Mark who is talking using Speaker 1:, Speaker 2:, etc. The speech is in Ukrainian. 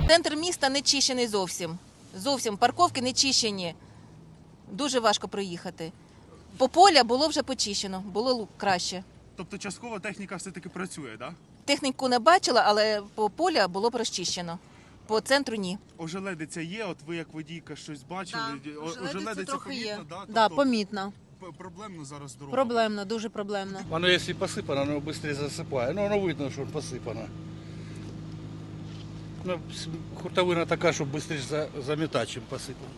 Speaker 1: Центр міста не чищений зовсім. Зовсім парковки не чищені. Дуже важко проїхати. По поля було вже почищено, було краще.
Speaker 2: Тобто частково техніка все-таки працює, так?
Speaker 1: Техніку не бачила, але по поля було б розчищено. По центру ні.
Speaker 2: Ожеледиця є, от ви як водійка щось бачили?
Speaker 3: Ожеледиця трохи є.
Speaker 2: да?
Speaker 3: Да,
Speaker 2: Тобто
Speaker 3: помітно.
Speaker 2: проблемно зараз дорога.
Speaker 3: Проблемно, дуже проблемно.
Speaker 4: Воно, якщо посипано, воно швидше засипає. Ну, воно видно, що посипано. Ну, хуртовина така, щоб швидше замітати, чим посипано.